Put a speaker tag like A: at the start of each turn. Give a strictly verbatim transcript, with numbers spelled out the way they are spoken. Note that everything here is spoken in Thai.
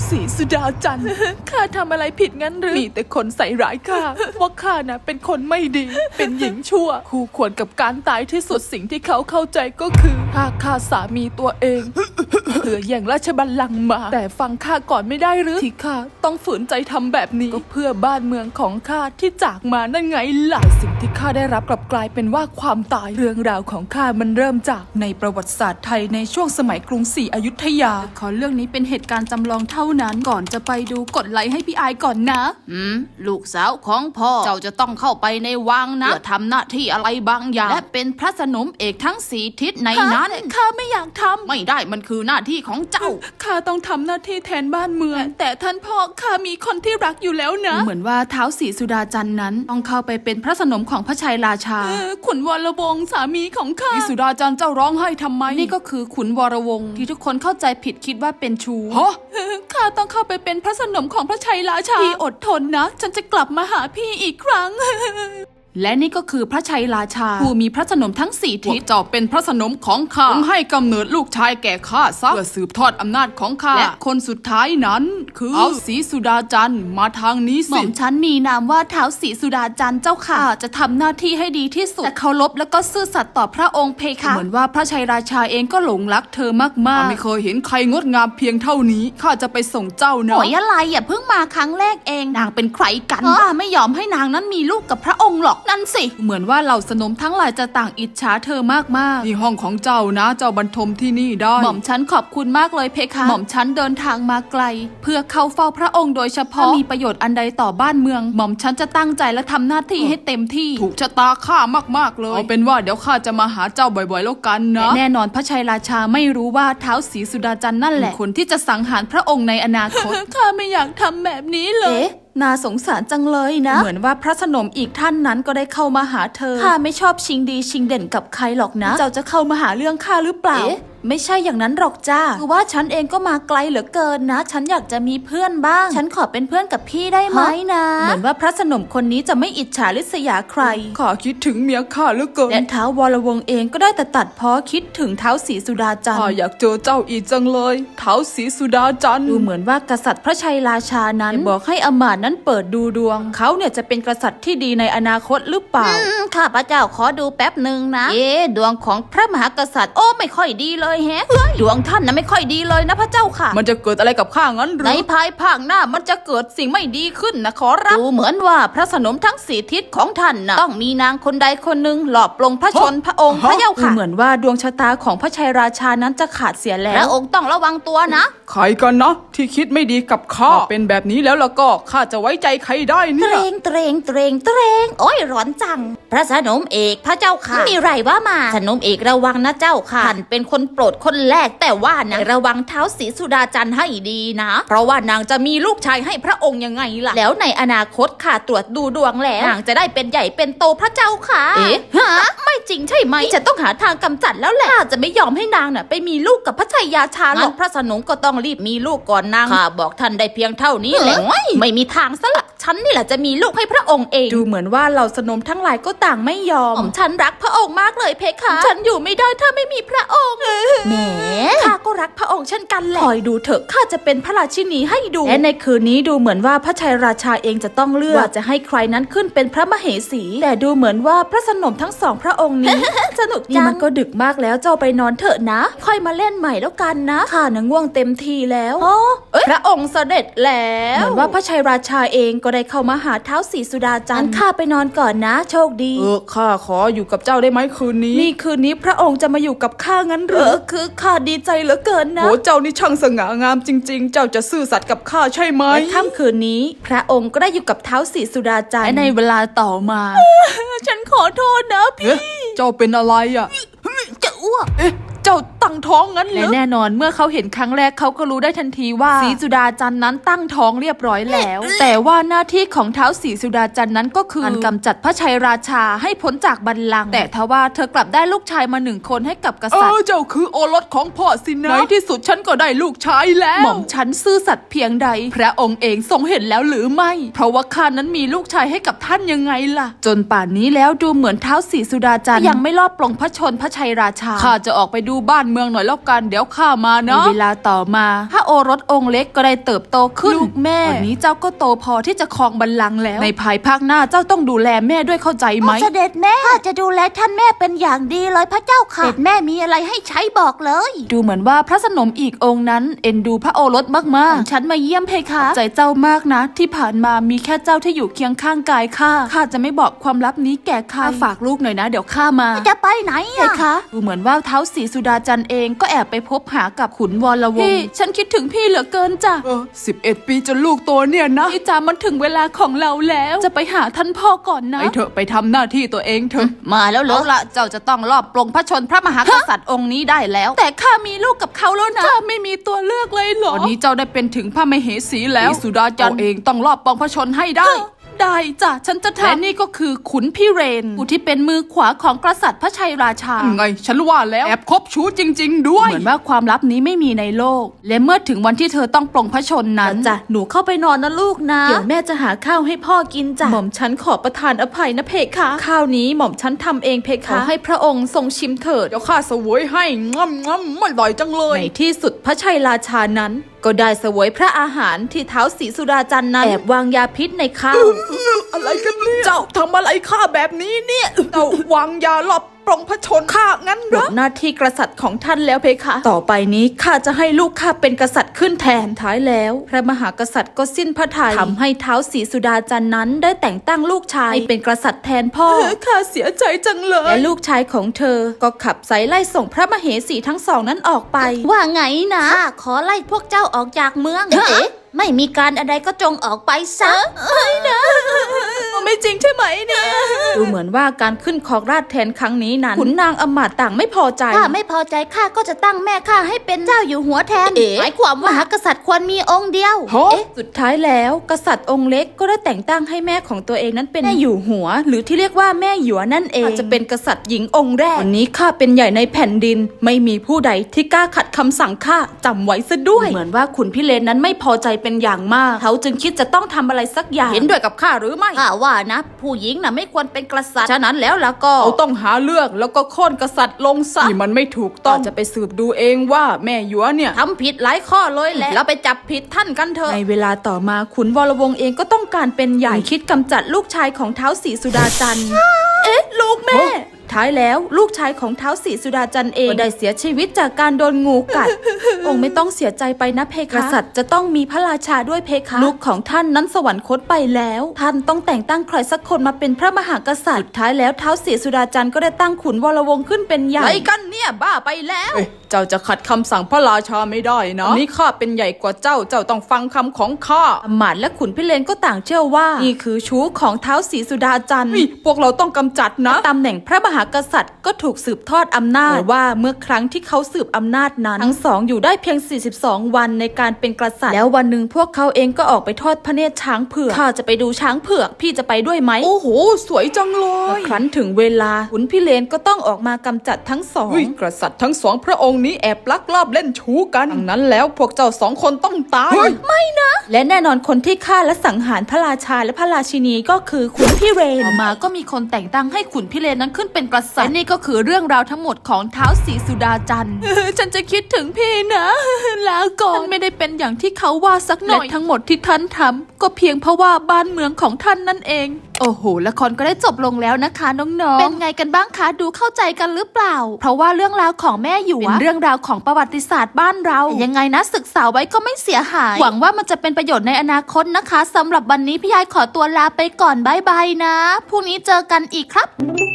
A: ศรีสุดาจันทร์ ข้าทำอะไรผิดงั้นหรือมีแต่คนใส่ร้ายข้า ว่าข้านะเป็นคนไม่ดี เป็นหญิงชั่วคู่ควรกับการตายที่สุดสิ่งที่เขาเข้าใจก็คือถ้าฆ่าสามีตัวเอง เพื่อแย่งราชบัลลังก์มาแต่ฟังข้าก่อนไม่ได้หรือที่ข้าต้องฝืนใจทำแบบนี้ก็เพื่อบ้านเมืองของข้าที่จากมานั่นไงล่ะสิ่งที่ข้าได้รับกลับกลายเป็นว่าความตายเรื่องราวของข้ามันเริ่มจากในประวัติศาสตร์ไทยในช่วงสมัยกรุงศรีอยุธยาขอเรื่องนี้เป็นเหตุการณ์จำลองเท่านั้นก่อนจะไปดูกดไลค์ให้พี่อายก่อนนะ
B: อืมลูกสาวของพ่อเจ้าจะต้องเข้าไปในวังนะเพื่อทำหน้าที่อะไรบางอย่างและเป็นพระสนมเอกทั้งสี่ทิศในนั้น
A: ข้าไม่อยากทำ
B: ไม่ได้มันคือหน้าที่ของเจ้า
A: ข้าต้องทำหน้าที่แทนบ้านเมืองแต่ท่านพ่อข้ามีคนที่รักอยู่แล้วนะเหมือนว่าท้าวศรีสุดาจันทร์นั้นต้องเข้าไปเป็นพระสนมของพระชัยราชาขุนวรวงศ์สามีของข้าศรีสุดาจันทร์เจ้าร้องไห้ทำไมนี่ก็คือขุนวรวงศ์ที่ทุกคนเข้าใจผิดคิดว่าเป็นชู้ฮะข้าต้องเข้าไปเป็นพระสนมของพระชัยราชาพี่อดทนนะฉันจะกลับมาหาพี่อีกครั้ง และนี่ก็คือพระชัยราชาผู้มีพระสนมทั้งสี่ทิศ
B: เจ้าเป็นพระสนมของข้าต้องให้กำเนิดลูกชายแก่ข้าซะเพื่อสืบทอดอำนาจของข้าและคนสุดท้ายนั้นคือท้าวศรีสุดาจันทร์มาทางนี้สิ
A: หม่อมฉันมีนามว่าท้าวศรีสุดาจันทร์เจ้าค่ะจะทำหน้าที่ให้ดีที่สุดแต่เคารพแล้วก็ซื่อสัตย์ต่อพระองค์เพคะเหมือนว่าพระชัยราชาเองก็หลงรักเธอมากๆ
B: ไม่เคยเห็นใครงดงามเพียงเท่านี้ข้าจะไปส่งเจ้านะ
A: หอยอะไรอย่าเพิ่งมาครั้งแรกเองนางเป็นใครกันข้าไม่ยอมให้นางนั้นมีลูกกับพระองค์หรอกนั่นสิเหมือนว่าเหล่าสนมทั้งหลายจะต่างอิจฉาเธอมากๆ
B: นี่ห้องของเจ้านะเจ้าบรรทมที่นี่ได้
A: หม่อมฉันขอบคุณมากเลยเพคะหม่อมฉันเดินทางมาไกลเพื่อเข้าเฝ้าพระองค์โดยเฉพาะมีประโยชน์อันใดต่อบ้านเมืองหม่อมฉันจะตั้งใจและทำหน้าที่ให้เต็มที่
B: ถูกชะตาข้ามากๆเลยเอาเป็นว่าเดี๋ยวข้าจะมาหาเจ้าบ่อยๆแล้วกันนะ
A: แน่นอนพระชัยราชาไม่รู้ว่าท้าวศรีสุดาจันทร์นั่นแหละคนที่จะสังหารพระองค์ในอนาคต ข้าไม่อยากทำแบบนี้เลยน่าสงสารจังเลยนะเหมือนว่าพระสนมอีกท่านนั้นก็ได้เข้ามาหาเธอข้าไม่ชอบชิงดีชิงเด่นกับใครหรอกนะเจ้าจะเข้ามาหาเรื่องข้าหรือเปล่าไม่ใช่อย่างนั้นหรอกจ้าคือว่าฉันเองก็มาไกลเหลือเกินนะฉันอยากจะมีเพื่อนบ้างฉันขอเป็นเพื่อนกับพี่ได้ไหมนะเหมือนว่าพระสนมคนนี้จะไม่อิจฉาริษยาใคร
B: ข้าคิดถึงเมียข้าเหลือเกิน
A: และท้าววรวงศ์เองก็ได้แต่ตัดพ้อคิดถึงท้าวศรีสุดาจันทร์
B: ข้าอยากเจอเจ้าอีกจังเลยท้าวศรีสุดาจันทร์
A: ดูเหมือนว่ากษัตริย์พระชัยราชานั้นบอกให้อมาตย์นั้นเปิดดูดวงเขาเนี่ยจะเป็นกษัตริย์ที่ดีในอนาคตหรือเปล่าข้าพระเจ้าขอดูแป๊บหนึ่งนะเอ๊ดวงของพระมหากษัตริย์โอ้ไม่ค่อยดีเลยแฮะดวงท่านนะไม่ค่อยดีเลยนะพระเจ้าค่ะ
B: มันจะเกิดอะไรกับข้างั้นหรือ
A: ในภายภาคหน้ามันจะเกิดสิ่งไม่ดีขึ้นนะขอรับดูเหมือนว่าพระสนมทั้งสี่ทิศของท่านนะต้องมีนางคนใดคนหนึ่งหลอบปลงพระชนพระองค์พระเจ้าค่ะเหมือนว่าดวงชะตาของพระชัยราชานั้นจะขาดเสียแล้วพระองค์ต้องระวังตัวนะ
B: ใครกันนะที่คิดไม่ดีกับข้าเป็นแบบนี้แล้วแล้วก็ข้าจะไว้ใจใครได้เนี่ย
A: เตรงเตรงเตรงเตรงโอ้ยร้อนจังพระสนมเอกพระเจ้าค่ะมีไรว่ามาสนมเอกระวังนะเจ้าค่ะท่านเป็นคนโปรดคนแรกแต่ว่านะระวังท้าวศรีสุดาจันทร์ให้ดีนะเพราะว่านางจะมีลูกชายให้พระองค์ยังไงล่ะแล้วในอนาคตข้าตรวจดูดวงแล้วนางจะได้เป็นใหญ่เป็นโตพระเจ้าค่ะเอ๊ะฮะไม่จริงใช่ไหมจะต้องหาทางกำจัดแล้วแหละข้าจะไม่ยอมให้นางน่ะไปมีลูกกับพระชัยราชาหรอกพระสนมก็ต้องรีบมีลูกก่อนนางข้าบอกท่านได้เพียงเท่านี้แหละไม่มีทางซะละฉันนี่แหละจะมีลูกให้พระองค์เองดูเหมือนว่าเหล่าสนมทั้งหลายก็ต่างไม่ยอมผมฉันรักพระองค์มากเลยเพคะฉันอยู่ไม่ได้ถ้าไม่มีพระองค์แหมข้าก็รักพระองค์เช่นกันแหละคอยดูเถอะข้าจะเป็นพระราชินีให้ดูและในคืนนี้ดูเหมือนว่าพระชัยราชาเองจะต้องเลือกว่าจะให้ใครนั้นขึ้นเป็นพระมเหสีแต่ดูเหมือนว่าพระสนมทั้งสองพระองค์นี้ สนุกจังนี่มันก็ดึกมากแล้วเจ้าไปนอนเถอะนะค่อยมาเล่นใหม่แล้วกันนะข้าน่ะง่วงเต็มทีแล้วอ๋อพระองค์เสด็จแล้วเหมือนว่าพระชัยราชาเองก็ได้เข้ามาหาท้าวศรีสุดาจันทร์ข้าไปนอนก่อนนะโชคดี
B: เออข้าขออยู่กับเจ้าได้ไหมคืนนี้
A: นี่คืนนี้พระองค์จะมาอยู่กับข้างั้นหรือคือข้าดีใจเหลือเกินนะ
B: โหเจ้านี่ช่างสง่างามจริงๆเจ้าจะซื่อสัตย์กับข้าใช่ไหม
A: และค่ำคืนนี้พระองค์ก็ได้อยู่กับท้าวศรีสุดาจันทร์และในเวลาต่อมา ฉันขอโทษนะพี่
B: เจ้าเป็นอะไรอ่ะ
A: จะอ้วก
B: เอ๊ะเจ้าตั้งท้องงั้นเหรอ
A: และแน่นอนเมื่อเขาเห็นครั้งแรกเขาก็รู้ได้ทันทีว่าศรีสุดาจันทร์นั้นตั้งท้องเรียบร้อยแล้ว แต่ว่าหน้าที่ของท้าวศรีสุดาจันทร์นั้นก็คือการกำจัดพระชัยราชาให้พ้นจากบัลลังก์แต่ทว่าเธอกลับได้ลูกชายมาหนึ่งคนให้กับกษัตริย์
B: เออเจ้าคือโอรสของพ่อสินะในที่สุดฉันก็ได้ลูกชายแล้ว
A: หม่อมฉันซื่อสัตย์เพียงใดพระองค์เองทรงเห็นแล้วหรือไม่เพราะว่าข้านั้นมีลูกชายให้กับท่านยังไงล่ะจนป่านนี้แล้วดูเหมือนท้าวศรีสุดาจันทร์ยังไม่รอบปลงพระชนพระชัยราชา
B: ข้าจะออกไปดูบ้านเมืองมืองหน่อยแล้วกันเดี๋ยวข้ามาเนาะเวลาต่อมาพระโอรสองค์เล็กก็ได้เติบโตขึ้นลูกแม่วันนี้เจ้าก็โตพอที่จะครองบัลลังก์แล้วในภายภาคหน้าเจ้าต้องดูแลแม่ด้วยเข้าใจไหม
A: เสด็จแม่ข้าจะดูแลท่านแม่เป็นอย่างดีเลยพระเจ้าค่ะเสด็จแม่มีอะไรให้ใช้บอกเลย
B: ดูเหมือนว่าพระสนมอีกองค์นั้นเอ็นดูพระโอรสมากๆฉันมาเยี่ยมเพคะใจเจ้ามากนะที่ผ่านมามีแค่เจ้าที่อยู่เคียงข้างกายข้าข้าจะไม่บอกความลับนี้แก่ใครฝากลูกหน่อยนะเดี๋ยวข้ามา
A: จะไปไหน
B: เพ
A: อะ
B: คะดูเหมือนว่าเท้าศรีสุดาจันทร์เองก็แอบไปพบหากับขุนวรวงศ์พี่ฉันคิดถึงพี่เหลือเกินจ้ะเออสิบเอ็ดปีจนลูกโตเนี่ยนะพี่จ๋ามันถึงเวลาของเราแล้วจะไปหาท่านพ่อก่อนนะไปเถอะไปทำหน้าที่ตัวเองเถอะ
A: มาแล้วเหรอ
B: เอาละเจ้าจะต้องรอบปลงพระชนพระมหากษัตริย์องค์นี้ได้แล้ว แต่ข้ามีลูกกับเขาแล้วนะข้าไม่มีตัวเลือกเลยเหรอตอนนี้เจ้าได้เป็นถึงพระมเหสีแล้วสุดาจันทร์เองต้องรอบปลงพระชนให้ได้ ได้จ้ะฉันจะทำและนี่ก็คือขุนพี่เรนผู้ที่เป็นมือขวาของกษัตริย์พระชัยราชาไงฉันว่าแล้วแอบคบชู้จริง ๆ ด้วยเหมือนว่าความลับนี้ไม่มีในโลก และเมื่อถึงวันที่เธอต้องปลงพระชนนั้น
A: จ้ะหนูเข้าไปนอนนะลูกนะ
B: เดี๋ยวแม่จะหาข้าวให้พ่อกินจ้ะหม่อมฉันขอประทานอภัยนะเพคะข้าวนี้หม่อมฉันทำเองเพคะขอให้พระองค์ทรงชิมเถิดเดี๋ยวข้าเสวยให้ง่ำง่ำอร่อยจังเลยในที่สุดพระชัยราชานั้นก็ได้เสวยพระอาหารที่เท้าศรีสุดาจันทร์นั้นแอบวางยาพิษในข้าว อะไรกันเนี่ยเจ้าทำอะไรข้าแบบนี้เนี่ยเจ้าวางยาหลบปลงพระชนข้างั้นเหรอหน้าที่กษัตริย์ของท่านแล้วเพคะต่อไปนี้ข้าจะให้ลูกข้าเป็นกษัตริย์ขึ้นแทนท้ายแล้วพระมหากษัตริย์ก็สิ้นพระทัยทำให้เท้าศรีสุดาจันทร์นั้นได้แต่งตั้งลูกชายให้เป็นกษัตริย์แทนพ่อข้าเสียใจจังเลยและลูกชายของเธอก็ขับไสไล่ส่งพระมเหสีทั้งสองนั้นออกไป
A: ว่าไงนะข้าขอไล่พวกเจ้าออกจากเมืองเอ๊ะไม่มีการอะไรก็จงออกไปซะไม่นะ
B: ไม่จริงใช่ไหมเนี่ยดูเหมือนว่าการขึ้นครองราชย์แทนครั้งนี้นั้นขุนนางอมาตย์ต่างไม่พอใจ
A: ข้าไม่พอใจข้าก็จะตั้งแม่ข้าให้เป็นเจ้าอยู่หัวแทนหมายความว่ามหากษัตริย์ควรมีองค์เดียว
B: เอ๊ะสุดท้ายแล้วกษัตริย์องค์เล็กก็ได้แต่งตั้งให้แม่ของตัวเองนั้นเป็นแม่อยู่หัว หรือที่เรียกว่าแม่หยวนั่นเองอาจจะเป็นกษัตริย์หญิงองค์แรกวันนี้ข้าเป็นใหญ่ในแผ่นดินไม่มีผู้ใดที่กล้าขัดคำสั่งข้าจำไว้ซะด้วยเหมือนว่าขุนพิเรนนั้นไม่พอใจเป็นอย่างมากเขาจึงคิดจะต้องทำอะไรสักอย่างเห็นด้วยกับข้าหรือไม่
A: ข้าว่านะผู้หญิงน่ะไม่ควรเป็นกษัตริย์ฉะนั้นแล้วล่ะก็
B: เขาต้องหาเลือกแล้วก็โค่นกษัตริย์ลงซะนี่มันไม่ถูกต้องจะไปสืบดูเองว่าแม่หยวเนี่ย
A: ทำผิดหลายข้อเลยแหละเราไปจับผิดท่านกันเถอะ
B: ในเวลาต่อมาขุนวรวงศ์เองก็ต้องการเป็นใหญ่คิดกำจัดลูกชายของเท้าศรีสุดาจันทร์เอ๊ะลูกแม่ท้ายแล้วลูกชายของเท้าศรีสุดาจันทร์เองก็ได้เสียชีวิตจากการโดนงูกัด องค์ไม่ต้องเสียใจไปนะเพคะกษัตริย์จะต้องมีพระราชาด้วยเพคะลูกของท่านนั้นสวรรคตไปแล้วท่านต้องแต่งตั้งใครสักคนมาเป็นพระมหากษัตริย์สุดท้ายแล้วเท้าศรีสุดาจันทร์ก็ได้ตั้งขุนวรวงศ์ขึ้นเป็นใหญ่ไรกันเนี่ยบ้าไปแล้วเจ้าจะขัดคำสั่งพระราชาไม่ได้นะนี่ข้าเป็นใหญ่กว่าเจ้าเจ้าต้องฟังคำของข้าอมาตย์และขุนพิเรนก็ต่างเชื่อว่านี่คือชู้ของเท้าศรีสุดาจันทร์พวกเราต้องกำจัดนะตำแหน่งพระมหากษัตริย์ก็ถูกสืบทอดอำนาจแต่ว่าเมื่อครั้งที่เขาสืบอำนาจนั้นทั้งสองอยู่ได้เพียงสี่สิบสองวันในการเป็นกษัตริย์แล้ววันหนึ่งพวกเขาเองก็ออกไปทอดพระเนตรช้างเผือกข้าจะไปดูช้างเผือกพี่จะไปด้วยไหมโอ้โหสวยจังเลยครั้นถึงเวลาขุนพิเรนก็ต้องออกมากำจัดทั้งสองกษัตริย์ทั้งสองพระองค์นี้แอบลักลอบเล่นชู้กันดังนั้นแล้วพวกเจ้าสองคนต้องตายไม่นะและแน่นอนคนที่ฆ่าและสังหารพระราชาและพระราชินีก็คือขุนพิเรนต่อมาก็มีคนแต่งตั้งให้ขุนพิเรนนั้นขึ้นเป็นกษัตริย์และนี่ก็คือเรื่องราวทั้งหมดของเท้าศรีสุดาจันทร์ ฉันจะคิดถึงพี่นะลาก่อนฉันไม่ได้เป็นอย่างที่เขาว่าสักหน่อยและทั้งหมดที่ท่านทำก็เพียงเพราะว่าบ้านเมืองของท่านนั่นเองโอ้โหละครก็ได้จบลงแล้วนะคะน้องๆเป็นไงกันบ้างคะดูเข้าใจกันหรือเปล่าเพราะว่าเรื่องราวของแม่หยวเป็นเรื่องราวของประวัติศาสตร์บ้านเรายังไงนะศึกษาไว้ก็ไม่เสียหายหวังว่ามันจะเป็นประโยชน์ในอนาคตนะคะสำหรับวันนี้พี่ยายขอตัวลาไปก่อนบ๊ายบายนะพรุ่งนี้เจอกันอีกครับ